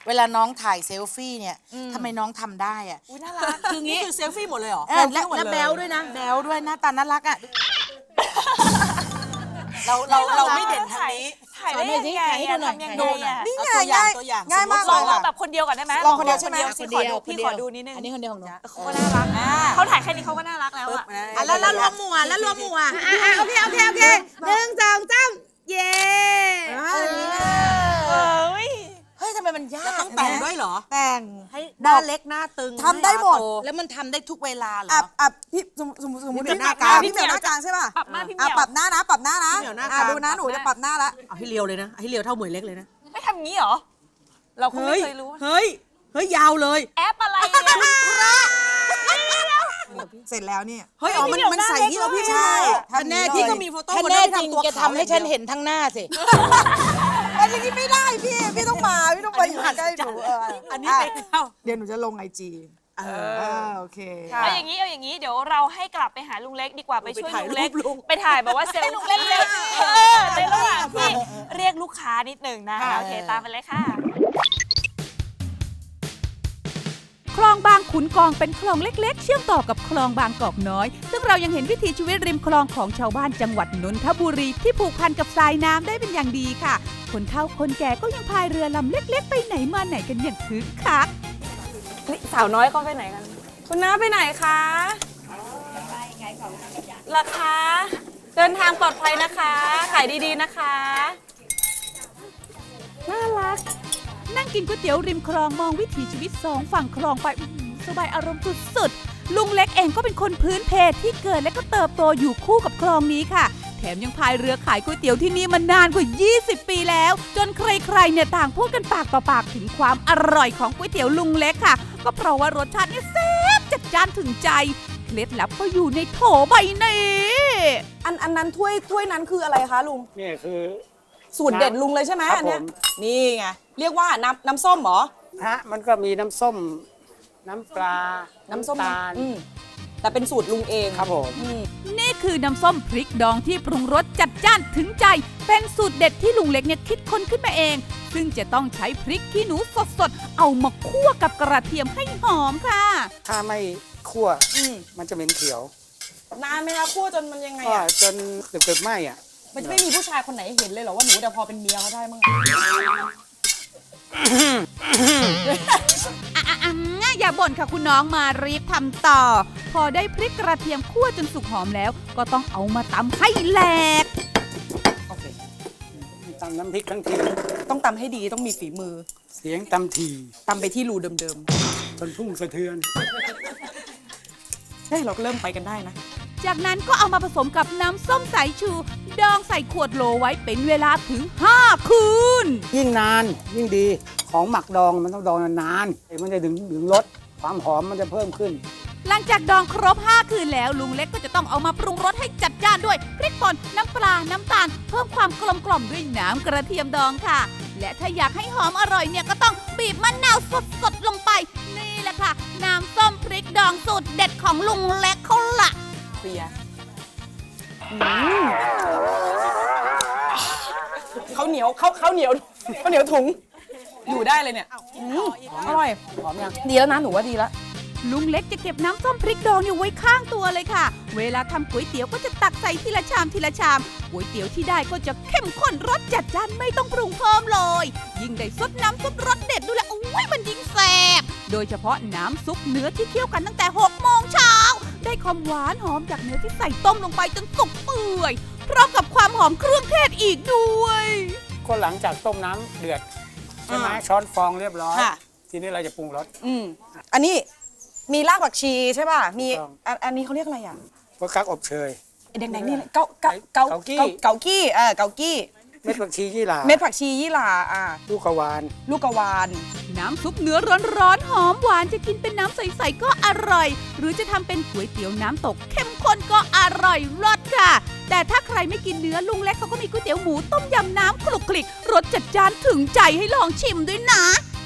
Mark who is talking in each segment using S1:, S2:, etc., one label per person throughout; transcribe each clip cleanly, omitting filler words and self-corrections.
S1: เวลาน้องถ่ายเซลฟี่เนี่ยทำไมน้องทำได้อ่ะ
S2: อุ้ยน่ารักคืองี้คือเซลฟี่หมดเลยเหรอ
S1: และแบลด้วยนะแบลด้วยหน้าตาน่ารักอ่ะ
S2: เราไม่เด่นทางนี้
S3: ถ่ายได้ยังไงอะทำยังไงอะ
S1: นี่ไง
S2: ตัวอย่าง
S1: ง่ายมาก
S3: ล
S1: เล
S3: อง
S1: ย
S3: ลอง
S1: ค่ะ
S3: แบบคนเดียวก่อนได้ไหม
S1: ลองคนเดียวใช่ไหม
S3: พี่ขอดูนิดนึง
S1: อันนี้คนเดียวของหนู
S3: เขาก็น่ารักเขาถ่ายแค่นี้เขาก็น่ารักแล้วอะ
S1: แล้วรวมหมู่แล้วรวมหมู่โอเค1 2 3เย้ เฮ้ยทำไมมันยาก
S2: แล้วต้องแต่งด้วยเหรอ
S1: แต่ง
S2: ให้หน้าเล็กหน้าตึง
S1: ทำได้หมด
S2: น้าโต
S1: แล้วมันทำได้ทุกเวลาเหรอ
S4: พี่สมมติ
S2: พี่
S4: พี่
S2: เหมียวหน้ากลาง
S4: พี่เหมียวหน้ากลางใช่ป่ะ
S3: ปรับหน้าพี่เหมียว
S4: ปรับหน้านะปรับหน้านะ
S2: พี่เหมียวหน้ากลาง
S4: ดูนะหนูจะปรับหน้าละ
S2: เอาให้เรียวเลยนะให้เรียวเท่าเหมยเล็กเลยนะ
S3: ไม่ทำงี้เหรอ เราก็ไม่เคยรู้
S2: เฮ้ยยาวเลย
S3: แอปอะไรเนี่ย
S4: เสร็จแล้วเนี่ย
S2: เฮ้ยอ๋อมันใส่ที่เราพี่
S4: ใช่
S2: ท่านแน่พี่ก็มีโฟโต้
S1: ถ้า
S2: คน
S1: แน่
S2: นั้น
S1: จริง
S2: ทำตัว
S1: จะทำให้ฉันเห็นทั้งหน้าสิ
S4: อันนี้ไม่ได้พี่ต้องมาอยู่ใกล้หนู
S2: อันนี้เป็นเข้า
S4: เดี๋ยวหนูจะลงไอจีโอเค
S3: เอาอย่างนี้เดี๋ยวเราให้กลับไปหาลุงเล็กดีกว่าไปช่วย
S2: ไปถ่าย
S3: ลุงเล็ก
S2: รูปลุง
S3: ไปถ่ายแบบว่าเซลฟี่ในระหว่างที่เรียกลูกค้านิดหนึ่งนะโอเคตามไปเลยค่ะ
S5: คลองบางขุนกองเป็นคลองเล็กๆ เชื่อมต่อกับคลองบางกอกน้อย ซึ่งเรายังเห็นวิถีชีวิตริมคลองของชาวบ้านจังหวัดนนทบุรีที่ผูกพันกับสายน้ำได้เป็นอย่างดีค่ะ คนเฒ่าคนแก่ก็ยังพายเรือลำเล็กๆ ไปไหนมาไหนกันอย่างคึกคัก
S3: สาวน้อยเขาไปไหนกัน คุณน้าไปไหนคะไปขายของราคาเดินทางปลอดภัยนะคะ ขายดีๆนะคะ น่ารัก
S5: นั่งกินก๋วยเตี๋ยวริมคลองมองวิถีชีวิตสองฝั่งคลองไปสบายอารมณ์สุดๆ ลุงเล็กเองก็เป็นคนพื้นเพที่เกิดและก็เติบโตอยู่คู่กับคลองนี้ค่ะ แถมยังพายเรือขายก๋วยเตี๋ยวที่นี่มานานกว่า 20 ปีแล้ว จนใครๆเนี่ยต่างพูดกันปากต่อปากถึงความอร่อยของก๋วยเตี๋ยวลุงเล็กค่ะ ก็เพราะว่ารสชาติเนี่ยแซ่บจัดจ้านถึงใจ เคล็ดลับก็อยู่ในโถใบนี้
S6: อันนั้นถ้วยนั้นคืออะไรคะลุง
S7: นี่คือ
S6: สูตรเด็ดลุงเลยใช่ไหม
S7: ครับ
S6: อันเนี้ย
S7: ผม
S6: นี่ไงเรียกว่าน้ำส้มเหรอ
S7: มันก็มีน้ำส้ม น้ำปลา
S6: น้ำส้ม
S7: ตาล
S6: แต่เป็นสูตรลุงเอง
S7: ครับผม
S5: นี่คือน้ำส้มพริกดองที่ปรุงรสจัดจ้านถึงใจ เป็นสูตรเด็ดที่ลุงเล็กเนี่ยคิดค้นขึ้นมาเอง ซึ่งจะต้องใช้พริกขี้หนูสดๆ เอามาคั่วกับกระเทียมให้หอมค่ะ
S7: ถ้าไม่คั่วมันจะเหม็นเขียวน
S6: านไหมคะคั่วจนมันยังไง
S7: ก็
S6: อ่ะ
S7: จนเกือบไหม้อ่ะ
S6: มันจะไม่มีผู้ชายคนไหนเห็นเลยเหรอว่าหนูเดี๋ยวพอเป็นเมียเขาได้มั้ง
S5: อย่าบ่นค่ะคุณน้องมารีบทำต่อ พอได้พริกกระเทียมคั่วจนสุกหอมแล้ว ก็ต้องเอามาตำให้แหลก
S7: โอเคตำน้ำพริกทั้งที
S6: ต้องตำให้ดีต้องมีฝีมือ
S7: เสียงตำที
S6: ตำไปที่รูเดิม
S7: จนพุ่งสะเทือน
S6: ๆเฮ้ยเราก็เริ่มไปกันได้นะ
S5: จากนั้นก็เอามาผสมกับน้ำส้มสายชู ดองใส่ขวดโหลไว้เป็นเวลาถึง 5 คืน
S7: ยิ่งนานยิ่งดี ของหมักดองมันต้องดองนานๆมันจะถึงรสความหอมมันจะเพิ่มขึ้น
S5: หลังจากดองครบ 5 คืนแล้วลุงเล็กก็จะต้องเอามาปรุงรสให้จัดจ้านด้วยพริกป่นน้ำปลา น้ำตาล เพิ่มความกลมกล่อมด้วยน้ำกระเทียมดองค่ะ และถ้าอยากให้หอมอร่อยเนี่ยก็ต้องบีบมะนาวสดๆลงไป นี่แหละค่ะ น้ำส้มพริกดองสูตรเด็ดของลุงเล็กเขาละ
S6: เคลียร์เขาวเหนียวถุง อยู่ได้เลยเนี่ยอร่อย
S7: หอมยัง
S6: ดีแล้วนะหนูว่าดีแล้ว
S5: ลุงเล็กจะเก็บน้ำส้มพริกดองอยู่ไว้ข้างตัวเลยค่ะ เวลาทำก๋วยเตี๋ยวก็จะตักใส่ทีละชามทีละชามก๋วยเตี๋ยวที่ได้ก็จะเข้มข้นรสจัดจ้านไม่ต้องปรุงเพิ่มเลย ยิ่งได้ซดน้ำซุปรสเด็ดดูแลอุ้ยมันยิ่งแซ่บโดยเฉพาะน้ำซุปเนื้อที่เคี่ยวกันตั้งแต่6 โมงเช้าได้ความหวานหอมจากเนื้อที่ใส่ต้มลงไปจนสุกเปื่อยพร้อมกับความหอมเครื่องเทศอีกด้วย
S7: ก็หลังจากต้มน้ำเดือดใช่ไหมช้อนฟองเรียบร้อย
S6: ค่ะ
S7: ทีนี้เราจะปรุงรส
S6: อันนี้มีรากผักชีใช่ป่ะ มี
S7: ถูกต้อง
S6: อันนี้เขาเรียกอะไรอ่ะ
S7: ก็กักอบเชย
S6: ไอ้แดงๆนี่เลยเกากี้
S7: เกากี้
S6: เกากี้
S7: เม็ดผักชียี่หร่า
S6: เม็ดผักชียี่หร่า
S7: ลูกกระวาน
S6: ลูกกระวาน
S5: น้ำซุปเนื้อร้อนๆหอมหวานจะกินเป็นน้ำใสๆก็อร่อย หรือจะทำเป็นก๋วยเตี๋ยวน้ำตกเข้มข้นก็อร่อยรสค่ะ แต่ถ้าใครไม่กินเนื้อลุงเล็กเขาก็มีก๋วยเตี๋ยวหมูต้มยำน้ำคลุกคลิกรสจัดจ้านถึงใจให้ลองชิมด้วยนะ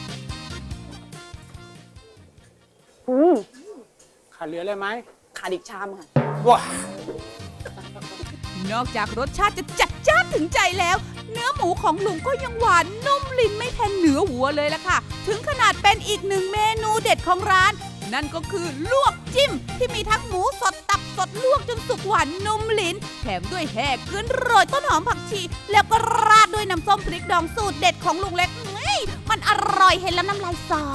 S7: ขาดเหลือเลยไหม
S6: ขาดอีกชามค่ะ
S7: ว้า
S5: นอกจากรสชาติจะจัดจ้านถึงใจแล้วเนื้อหมูของลุงก็ยังหวานนุ่มลิ้นไม่แพ้เนื้อวัวเลยล่ะค่ะ ถึงขนาดเป็นอีกหนึ่งเมนูเด็ดของร้าน นั่นก็คือลวกจิ้มที่มีทั้งหมูสดตับสดลวกจนสุกหวานนุ่มลิ้น แถมด้วยแห่เกลือโรยต้นหอมผักชี แล้วก็ราดด้วยน้ำส้มพริกดองสูตรเด็ดของลุงเล็กมันอร่อยเห็นแล้วน้ำลายสอ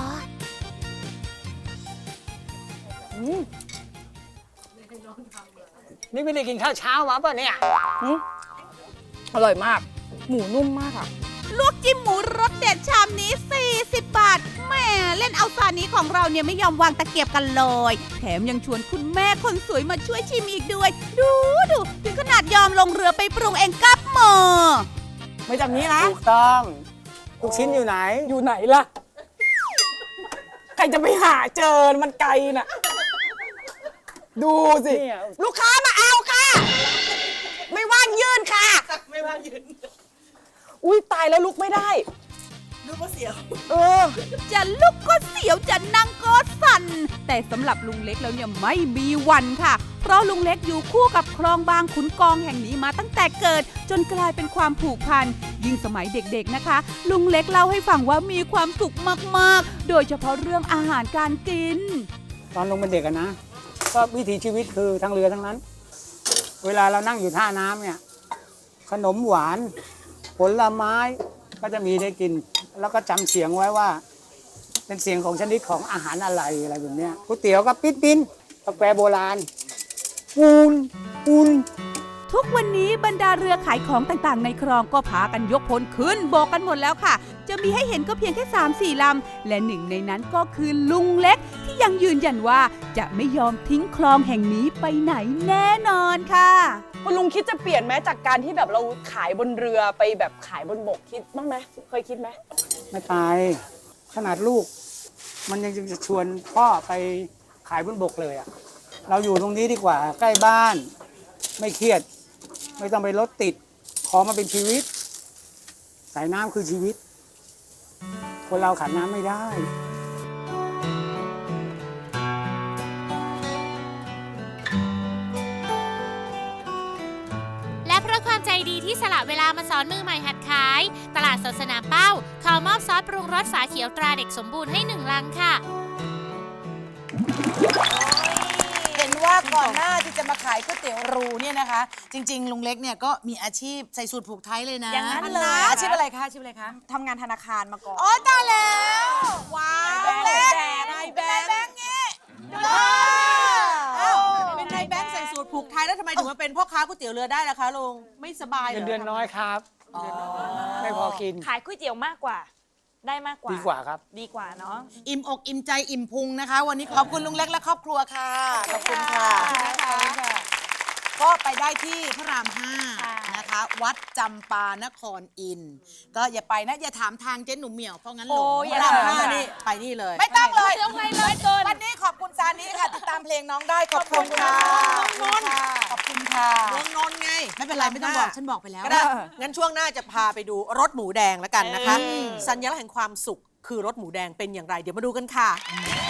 S7: นี่ไม่ได้กินข้าวเช้ามาป่ะเนี่ย
S3: อร่อยมาก หมูนุ่มมากอ่ะ
S5: ลวกจิ้มหมูรสเด็ดชามนี้40 บาทแหม่เล่นเอาซานี้ของเราเนี่ยไม่ยอมวางตะเกียบกันเลยแถมยังชวนคุณแม่คนสวยมาช่วยชิมอีกด้วย ดูถึงขนาดยอมลงเรือไปปรุงเองกับมือ
S3: ไม่จำนี้นะ
S7: ถูกต้องลูกชิ้นอยู่ไหน
S3: อยู่ไหนล่ะ ใครจะไปหาเจอมันไกลน่ะ ดูสิ
S7: เนี่ย
S3: ลูกค้ามาเอาค่ะ ไม่ว่างยืนค่ะ
S2: ไม่ว่ายืน
S3: อุ้ยตายแล้วลุกไม่ได้
S2: ดูว่าเสียว
S5: จะลุกก็เสียวจะนั่งก็สั่นแต่สำหรับลุงเล็กแล้วเนี่ยไม่มีวันค่ะ เพราะลุงเล็กอยู่คู่กับคลองบางขุนกองแห่งนี้มาตั้งแต่เกิด จนกลายเป็นความผูกพันยิ่งสมัยเด็กๆนะคะ ลุงเล็กเล่าให้ฟังว่ามีความสุขมากๆโดยเฉพาะเรื่องอาหารการกิน
S7: ตอนลงเป็นเด็กอะนะ ก็วิถีชีวิตคือทางเรือทั้งนั้น เวลาเรานั่งอยู่ท่าน้ำเนี่ย ขนมหวาน ผลไม้ก็จะมีได้กิน แล้วก็จำเสียงไว้ว่า เป็นเสียงของชนิดของอาหารอะไรแบบเนี้ยก๋วยเตี๋ยวก็ปิ้นกาแฟโบราณปูน
S5: ทุกวันนี้บรรดาเรือขายของต่างๆในคลองก็พากันยกพลขึ้นโบกกันหมดแล้วค่ะ จะมีให้เห็นก็เพียงแค่ 3-4 ลำ และหนึ่งในนั้นก็คือลุงเล็กที่ยังยืนยันว่าจะไม่ยอมทิ้งคลองแห่งนี้ไปไหนแน่นอนค่ะ
S3: คุณลุงคิดจะเปลี่ยนไหมจากการที่แบบเราขายบนเรือไปแบบขายบนบกคิดบ้างไหมเคยคิดไหม
S7: ไม่ไปขนาดลูก มันยังจะชวนพ่อไปขายบนบกเลยอะเราอยู่ตรงนี้ดีกว่าใกล้บ้าน ไม่เครียด ไม่ต้องไปรถติด ขอมาเป็นชีวิต สายน้ำคือชีวิต คนเราขาดน้ำไม่ได้
S8: และเพราะความใจดีที่สละเวลามาสอนมือใหม่หัดขาย ตลาดสดสนามเป้าขอมอบซอสปรุงรสฝาเขียวตราเด็กสมบูรณ์ให้1 ลังค่ะ
S1: เห็นว่าก่อนหน้าที่จะมาขายก๋วยเตี๋ยวรูเนี่ยนะคะ จริง ๆ ลุงเล็กเนี่ยก็มีอาชีพใส่สูตรผูกไทยเลยนะ
S3: อย่างนั้นเลย
S1: อาชีพอะไรคะอาชีพอะไรคะ
S3: ทำงานธนาคารมาก่อน
S1: อ๋อตายแล้วว้าวลุงเล็ก
S2: นายแบงค์
S1: งี้
S2: เป็นนายแบงค์ใส่สูตรผูกไทยแล้วทำไมถึงมาเป็นพ่อค้าก๋วยเตี๋ยวเรือได้ล่ะคะลุงไม่สบายเหร
S7: เงิ
S2: อน
S7: เดือนน้อยครับ ไม่พอกิน
S3: ขายก๋วยเตี๋ยวมากกว่า ได้มากกว่า
S7: ดีกว่าครับ
S3: ดีกว่าเนาะ
S1: อิ่มอกอิ่มใจอิ่มพุงนะคะ วันนี้ขอบคุณลุงเล็กและครอบครัวค่ะขอบคุณค่ะก็ไปได้ที่พระราม 5นะคะ วัดจำปานครอินทร์ก็อย่าไปนะอย่าถามทางเจ๊หนุ่มเหมียวเพราะงั้นหลง
S3: โอ้ย
S1: พระราม
S3: อย่า
S1: 5นี่ไปนี่เลย ไม่ต้องเลย
S3: ต้องไงเลยเกิน
S1: วันนี้ขอบคุณซานี้ค่ะ ติดตามเพลงน้องได้ขอบคุณค่ะขอบคุณค่ะ
S2: เมืองนนท์ไง
S1: ไม่เป็นไรไม่ต้องบอกฉันบอกไปแล้ว
S2: ก็ได้งั้นช่วงหน้าจะพาไปดูรถหมูแดงแล้วกันนะคะ สัญลักษณ์แห่งความสุขคือรถหมูแดงเป็นอย่างไร เดี๋ยวมาดูกันค่ะ